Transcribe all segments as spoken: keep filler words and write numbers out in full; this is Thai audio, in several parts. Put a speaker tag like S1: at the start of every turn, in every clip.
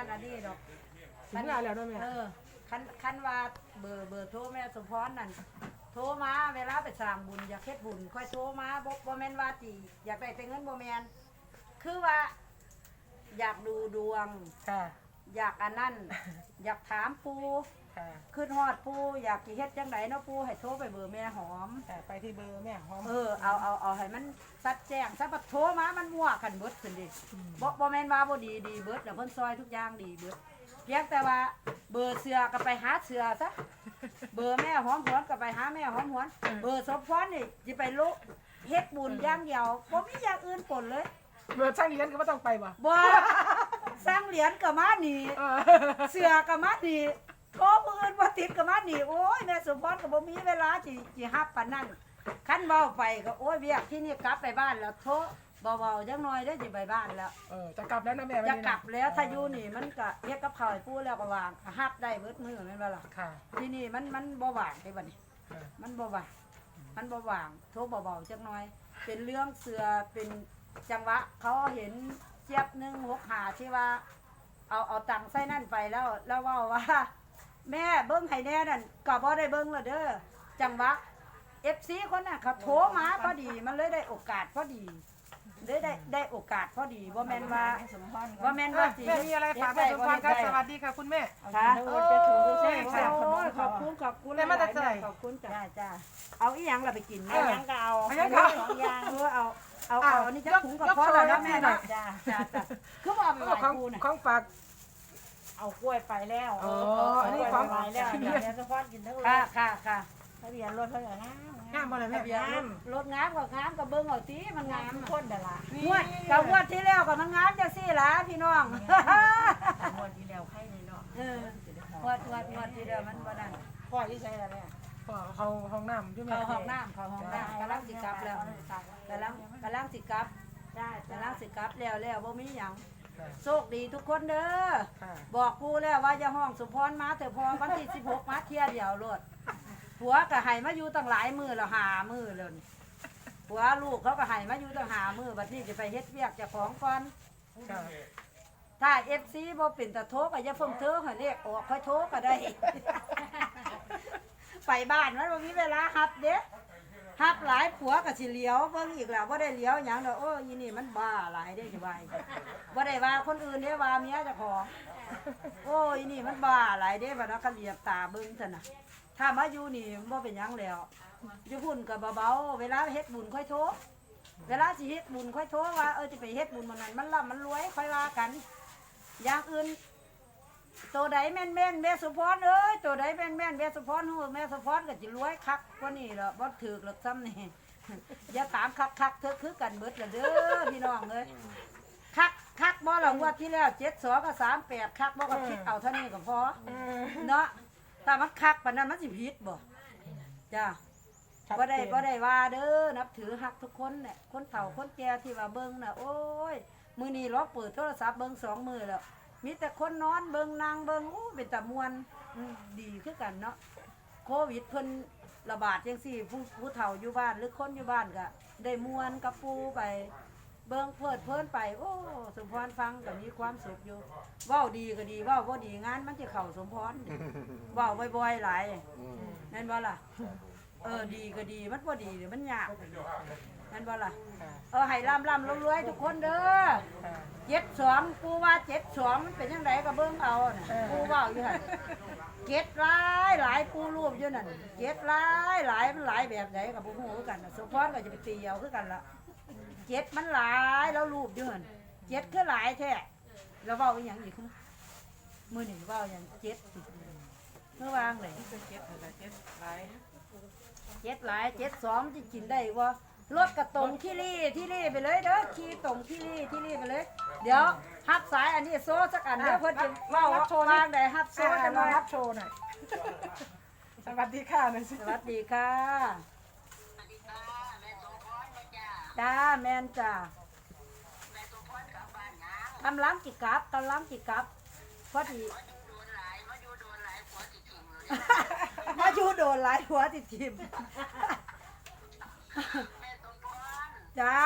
S1: นั่นอันนี้ดอก
S2: ถึงงานแล้วด้วยแม่
S1: เออคันคันว่าเบอร์เบอร์โทรแม่สมพรนั่นโทรมาเวลาไปสร้างบุญอยากเฮ็ดบุญค่อยโทรมาบ่บ่แม่นว่าติอยากได้แต่เงินบ่แม่นคือว่า อยากดูดวง
S2: ค่ะ
S1: อยากอันนั้น อยากถามปู
S2: ค่ะ
S1: ขึ้นฮอดปูอยากสิเฮ็ดจังไดเนาะปูให้โทรไปเบอร์แม่หอม
S2: ค่ะไปที่เบอร์แม่หอม
S1: เออเอาเอาเอาให้มันชัดแจ้งซะบัดโทรมามันมั่วกันเบิดขึ้นดิบ่บ่แม่นว่าบ่ดีดีเบิดแล้วเพิ่นซอยทุกอย่างดีเบิดเพียงแต่ว่าเบอร์เสือก็ไปหาเสือซะเบอร์แม่หอมหวนก็ไปหาแม่หอมหวนเบอร์สมพรนี่สิไปลุเฮ็ดบุญอย่างเดียวบ่มีอย่างอื่นปนเลย
S2: เบอร์ช่างเลี้ยงก็ไม่ต้องไปบ่
S1: บ่สร้างเหรียญก็มานี่
S2: เออ
S1: เสือก็มานี่โทรผู้อื่นบ่ติดก็มานี่โอ้ยแม่สมพรก็บ่มีเวลาสิสิรับปานนั้นคันเว้าไปก็โอ้ยเวียกที่นี่กลับไปบ้านแล้วโทรเบาๆจังหน่อยเด้อสิไปบ้านแล้ว
S2: เออจะกลับแล้วนะแม่
S1: จะกลับแล้วถ้าอยู่นี่มันก็เฮ็ดกับข้าวให้ปู่แล้วก็วางฮับได้เบิดมื้อแม่นบ่ล่ะ
S2: ค่ะ
S1: ที่นี่มันมันบ่ว่างเด้บัดนี้
S2: ค่ะ
S1: มันบ่ว่างมันบ่ว่างโทรเบาๆจักหน่อย เป็นเรื่องเสือเป็นจังหวะเขาเห็นเจี๊ยบหนึ่งหกหาที่ว่า เอาเอาตังค์ใส่นั่นไปแล้วแล้วเว่าว่า แม่เบิ้งให้แน่นั่นก็บ่ได้เบิ้งและเด้อจังหวะเอฟซีคนน่ะเขาโทรมาพอดีมันเลยได้โอกาสพอดีได้ได้ได้โอกาสพอดีว่าแม่นว่าว่าแม่นว่าสิ
S2: แม่มีอะไรฝากแม่สมพรครับสวัสดีค่ะคุณแม่
S1: ค่ะ
S2: โอ้
S1: โอ้
S2: ย
S1: ย
S2: ค่ะ
S1: ขอบคุณขอบคุณ
S2: แม่มาแต่ไส
S1: ขอบคุณจ้าจ้าเอาอีหยังล่ะไปกิน
S2: เอ
S1: แม่
S2: อ
S1: ยังก็เอา
S2: เอายังก็เอา
S1: สองอย่างเออเอาเอาเอาอันนี้จะถุงกับ
S2: ยก
S1: พ่อแล้ว
S2: ย
S1: นะ
S2: ก
S1: แม่
S2: หน่
S1: นะ
S2: อย
S1: จ้าจ้าจ้าคือว่าเอาไปไหว้
S2: ของ
S1: ครูน่ะ
S2: ของฝาก
S3: เอากล้วยไปแล้ว
S2: อ๋อ
S3: อันนี้ของไปแล้วเดี๋ยวจะพอดกินทั้งร
S1: ค่ะ
S3: ถ
S1: ค่ะค่ะ
S3: ทะเบียนรถเท่าไหร่นะ
S2: งามบ่เลยแม่
S1: ทะเบียนรถรถงามกับงามกับเบิ้งเอาตีมันงาม
S3: ทุกคนเดี๋ยวละ
S1: งวดกับงวดที่แล้วกับมันงามจังซี่ล่ะพี่น้อง
S3: งวดที่แล้วใครนี่เนาะ
S1: เอองวดงวดงวดที่แล้วมันบ่นั่น
S3: พ่อที่ใช้อะไรเนี่ย
S2: พ่อเขาห้องน้ำอยู่แม่
S1: เข้าห้องน้ำเข้าห้องน้ำกำลังสิกลับแล้วกำลังกำลังสิกลับ
S3: ได้
S1: กำลังสิกลับแล้วแล้วบ่มีหยัง
S2: ค่ะ
S1: โชคดีทุกคนเด้อ
S2: ค่ะ
S1: บอกกูแล้วว่าอย่าห้องสุพรมาแต่พอวันที่สิบหกมาเที่ยเดียวโลดผัวก็ให้มาอยู่ตั้งหลายมื้อแล้วหามื้อแล้วนี่ผัวลูกเขาก็ให้มาอยู่ตั้งหามื้อบัดนี้จะไปเฮ็ดเวียกเจ้าของก่อน
S2: ค่ะ
S1: ถ้า เอฟ ซี บ่เป็นตะโทรก็อย่าเพิ่งเธอให้เรียกออกค่อยโทรก็ได้ ไปบ้านมันบ่มีเวลาฮับเด้ฮับหลายผัวก็สิเลี้ยวเบิ่งอีกแล้วบ่ได้เลี้ยวหยังดอกโอ้ยอีนี่มันบ้าหลายเด้สิว่าบ่ได้ว่าคนอื่นเด้ว่าเมียเจ้าของโอ้ยอีนี่มันบ้าหลายเด้บัดนั้นก็เหลียบตาเบิ่งซั่นน่ะถ้ามาอยู่นี่บ่เป็นหยังแล้วอยู่พุ่นก็เบาๆเวลาเฮ็ดบุญค่อยโทรเวลาสิเฮ็ดบุญค่อยโทรว่าเออสิไปเฮ็ดบุญมื้อนั้นมันร่ำมันรวยค่อยว่ากัน อย่างอื่นตัวใดแม่นแม่นๆแม่สุพรเอ้ยตัวใดแม่นแม่นๆแม่สุพรฮู้แม่สุพรก็สิรวยคักกว่านี้ล่ะบ่ถูกหรอกซ้ำนี่ อย่าถามคักคักๆเธอคือกันเบิดล่ะเด้อพี่น้องเอ้ยคักคักบ่ล่ะงวดที่แล้วเจ็ดสองกับสามแปดคักบ่ก็คิดเอาเท่านี้ก็พอ
S2: อืม
S1: เนาะถ้ามันคักปานนั้นมันสิผิดบ่จ้าบ่ได้บ่ได้ว่าเด้อนับถือฮักทุกคนเนี่ยคนเฒ่าคนแก่ที่ว่าเบิ่งน่ะโอ้ยมื้อนี้ล็อกเปิดโทรศัพท์เบิ่งสองมื้อแล้ว มีแต่คนนอนเบิงนางเบิงอู้เป็นตะมวนอืมดีคือกันเนาะโควิดเพิ่นระบาดจังซี่ผู้ผู้เฒ่าอยู่บ้านหรือคนอยู่บ้านก็ได้มวนกับปูไปเบิงเพลิดเพลินไปโอ้สมพรฟังก็มีความสุขอยู่เว้าดีก็ดีเว้าบ่ดีงานมันจะเข้าสมพรเว้าบ่อยๆหลายแม่นบ่ล่ะเออดีก็ดีมันบ่ดีเดี๋ยวมันยากแม่นบ่ล่ะ
S2: ค่ะ
S1: เออให้ร่ำร่ำรวยๆทุกคนเด้อ
S2: ค่ะ
S1: เจ็ดสองกูว่าเจ็ดสองมันเป็นยังไงก็เบิ่งเอาน่ะ
S2: เออ
S1: กูว่าอยู่หั่นเจ็ดหลายหลายกูรูปอยู่นั่นเจ็ดหลายหลายมันหลายแบบไหนกับผู้ฮู้คือกันน่ะสมพรก็จะไปตีเอาคือกันละเจ็ดมันหลายแล้วรูปอยู่หั่นเจ็ดคือหลายแท้แล้วเว้าอีหยังอีกคือมื้อนี้เว้าหยังเจ็ดสิเมื่อวางเลย
S2: เจ็ดอะไรเจ็ดหลาย
S1: เจ็ดหลายเจ็ดสองจะกินได้บ่รถกระตรงที่รี่ที่รี่ไปเลยเด้อขี่ตรงที่รี่ที่รี่ไปเลย เดี๋ยวฮับสายอันนี้โซ่สักอันเด้อเพิ่นจะเว้าว่าว่างได้ฮับโซ่
S2: โซ่
S1: จั
S2: จะ
S1: ง
S2: มา
S1: หน่อย
S2: รับโชว์หน่อย สวัสดีค่ะหน่อยสิ
S1: สวัสดีค่ะจ้าแม่นจ้ากำลังจิกลับกำลังจิกลับพอดีมาอยู่โดนหลายหัวติดทิมจ้า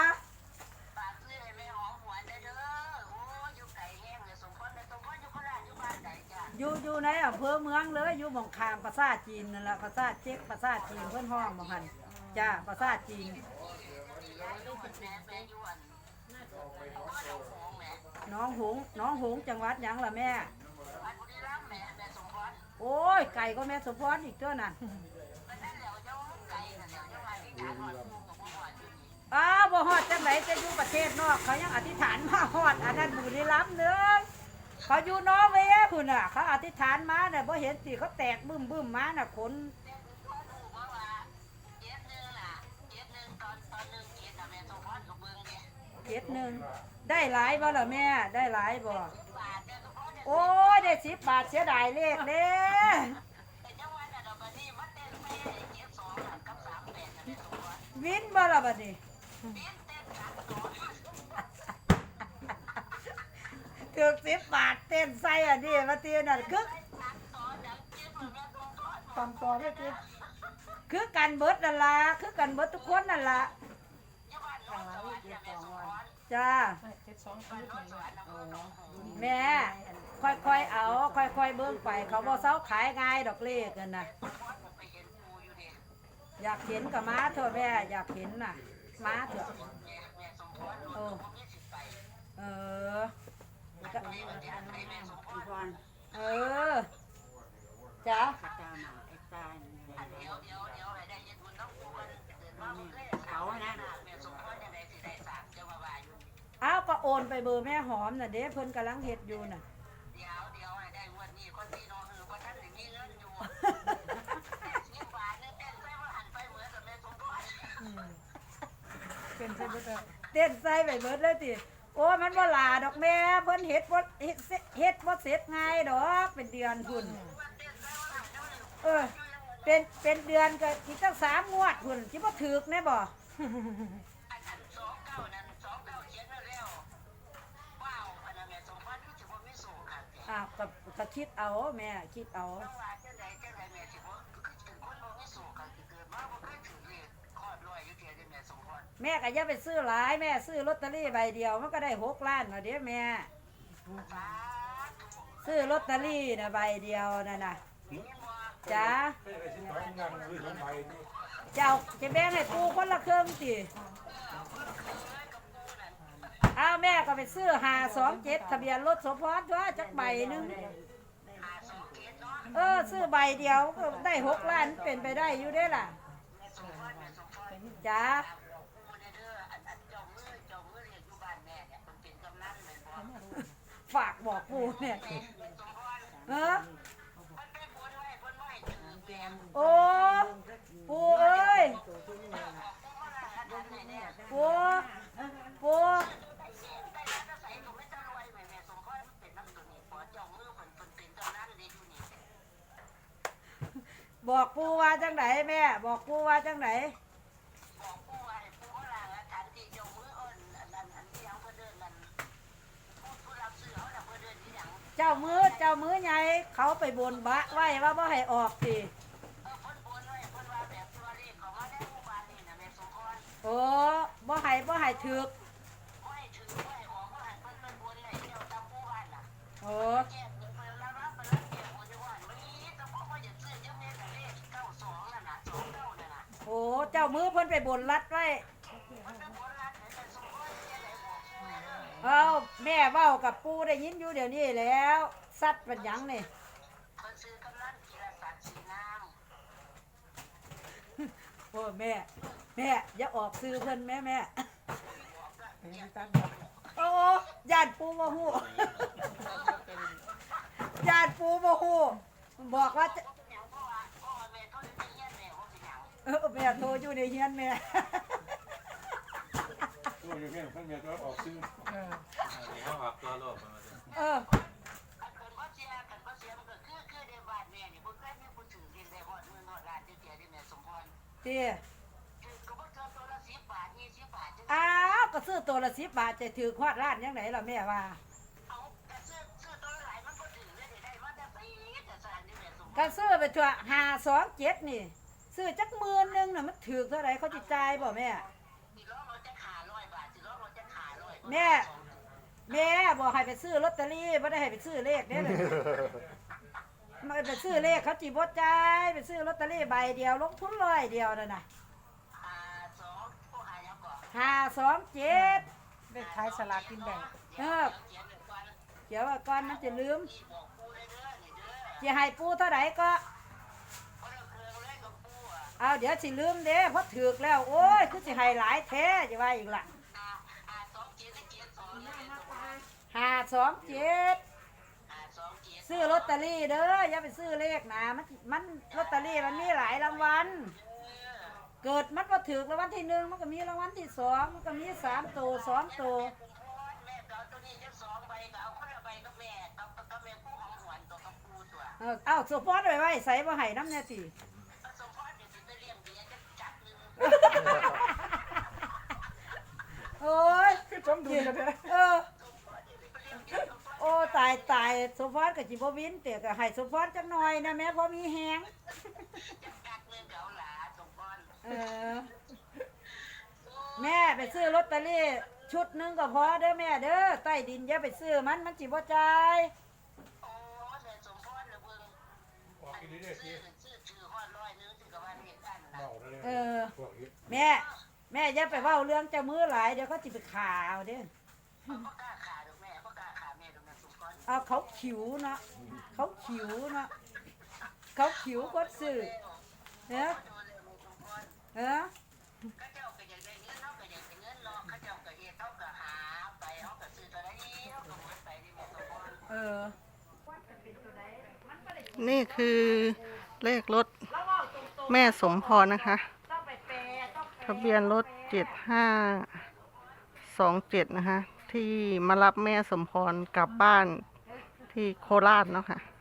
S1: อยู่อยู่ในอำเภอเมืองเลยอยู่หม่องคามภาษาจีนนั่นแหละภาษาเจ๊กภาษาจีนเพิ่นห้องบ่หั่นจ้าภาษาจีนน้องหงส์น้องหงส์จังหวัดหยังล่ะแม่โอ้ยไก่ก็แม่สมพรอีกตัวน่ะอ้าวบ่ฮอดจังไหนจะอยู่ประเทศนอกเขายังอธิษฐานมาฮอดอันนั้นบุรีรัมย์เด้อเขาอยู่นอร์เวย์พุ่นน่ะเขาอธิษฐานมาน่ะบ่เห็นสิเขาแตกบึ้มบึ้มมาน่ะขนเจ็ดหนึ่งได้หลายบ่ล่ะแม่ได้หลายบ่โอ้ยได้สิบบาทเสียดายเลขเด้วินบ่ล่ะบัดนี้ถึกสิบบาทเต้นใส่อันนี้มาเตียน่ะคึก
S2: ตามต่อได้ติ
S1: คือกันเบิดนั่นล่ะคือกันเบิดทุกคนนั่นล่ะจ้า
S2: เจ็ดสองคือไหน
S1: แม่ค่อยๆเอาค่อยๆเบิ่งไปเขาบ่เซาขายง่ายดอกเลขนั่นน่ะอยากเห็นก็มาเถอะแม่อยากเห็นน่ะมาเถอะเออเออเออจ้า อ้าวก็โอนไปเบอร์แม่หอมน่ะเด้เพิ่นกำลังเฮ็ดอยู่น่ะเดี๋ยวเดี๋ยวให้ได้งวดนี้คนที่น้องคือบ่ทันได้มีเงินอยู่สิบบาทนึงเต้นใส่ว่าหันไปเหมือนกับแม่สมพร
S2: เป็นใช่บ่เด้อ
S1: เต้นใส่ไปเบิดเลยติโอ้มันบ่หลาดอกแม่เพิ่นเฮ็ดบ่เฮ็ดเฮ็ดบ่เสร็จง่ายดอกเป็นเดือนพุ่นเออเป็นเป็นเดือนก็สิตั้งสามงวดพุ่นสิบ่ถูกแน่บ่อ้าวก็ก็คิดเอาแม่คิดเอาแม่ก็อย่าไปซื้อหลายแม่ซื้อลอตเตอรี่ใบเดียวมันก็ได้หกล้านเนาะเด้แม่ซื้อลอตเตอรี่น่ะใบเดียวนั่นน่ะจ้าเจ้าจะแบ่งให้ปูคนละครึ่งสิอ้าวแม่ก็ไปซื้อห้าสองเจ็ดทะเบียนรถสมพรตัวจักใบหนึงเออซื้อใบเดียวก็ได้หกล้านเป็นไปได้อยู่ได้ล่ะจ้าฝากบอกปูเนี่ยเออโอ้ปูเอ้ยปูปูบอกปูว่าจังไหนแม่บอกปูว่าจังไหนเจ้ามือเจ้ามือใหญ่เขาไปบนบะไว้ว่าบ่ให้ออกสิโอ้บ่ให้บ่ให้ถึกโอ้โอ้เจ้ามือเพิ่นไปบนรัดไว้เอาแม่เว้ากับปูได้ยินอยู่เดี๋ยวนี้แล้วสัตว์เป็นหยังนี่โอ้แม่แม่อย่าออกซื้อเพิ่นแม่แม่โอ้ญาติปูบ่ฮู้ญาติปูบ่ฮู้บอกว่าเออแม่โทรอยู่ในเฮียนแม่
S4: ตัวอยู่แม่เพิ่นแม่ตัวออกซื้อ
S2: เออ
S5: เขาหักตัวโลกมา
S1: เออเตี้ยอ้าวก็ซื้อตัวละสิบบาทจะถือควาดร้านยังไงล่ะแม่ว่าก็ซื้อไปเถอะห้าสองเจ็ดนี่ซื้อจักหมื่นหนึงน่ะมันถือเท่าไหร่เขาจิจ่ายบ่แม่แม่แม่บอกให้ไปซื้อลอตเตอรี่ไม่ได้ให้ไปซื้อเลขเด้เลยมาไปซื้อเลขเขาจีบดจ่ายไปซื้อลอตเตอรี่ใบเดียวลงทุนร้อยเดียวนั่นน่ะห้าสองเจ็ด
S2: เลขท้ายสลากกินแบ่ง
S1: เออเดี๋ยวก่อนมันจะลืมจะให้ปูเท่าไหร่ก็เอาเดี๋ยวสิลืมเด้เพราะถือกแล้วโอ้ยคือสิให้หลายแท้จะว่าอีกล่ะห้าสองเจ็ดซื้อลอตเตอรี่เด้ออย่าไปซื้อเลขนะมันมันลอตเตอรี่มันมีหลายรางวัลเกิดมันก็ถือกรางวัลที่หนึ่งมันก็มีรางวัลที่สองมันก็มีสามตัวสองตัวเออเอาสปอร์ตไว้ไว้ใส่บ่ให้น้ำแน่สิโอ้ย
S2: คือจมดูกันเลย
S1: เออโอ้ตายตายสปอร์ตกับจิบวินเตะกับให้สปอร์ตจักหน่อยนะแม่พอมีแหงเออแม่ไปซื้อลอตเตอรี่ชุดหนึงก็พอเด้อแม่เด้อใต้ดินอย่าไปซื้อมันมันจิบ่จ่าย
S4: ออกกินได้สิเมาได้เลย
S1: เออ
S4: พวกนี้
S1: แม่แม่อย่าไปเว้าเรื่องเจ้ามือหลายเดี๋ยวเขาจิไปข่าวเด้อเอาเขาขิวเนาะเขาขิวเนาะเขาขิวก็ซื้อเนอะเออเออ
S6: นี่คือเลขรถแม่สมพรนะคะ ทะเบียนรถเจ็ดห้าสองเจ็ดนะคะ ที่มารับแม่สมพรกลับบ้านที่โคราชเนาะค่ะ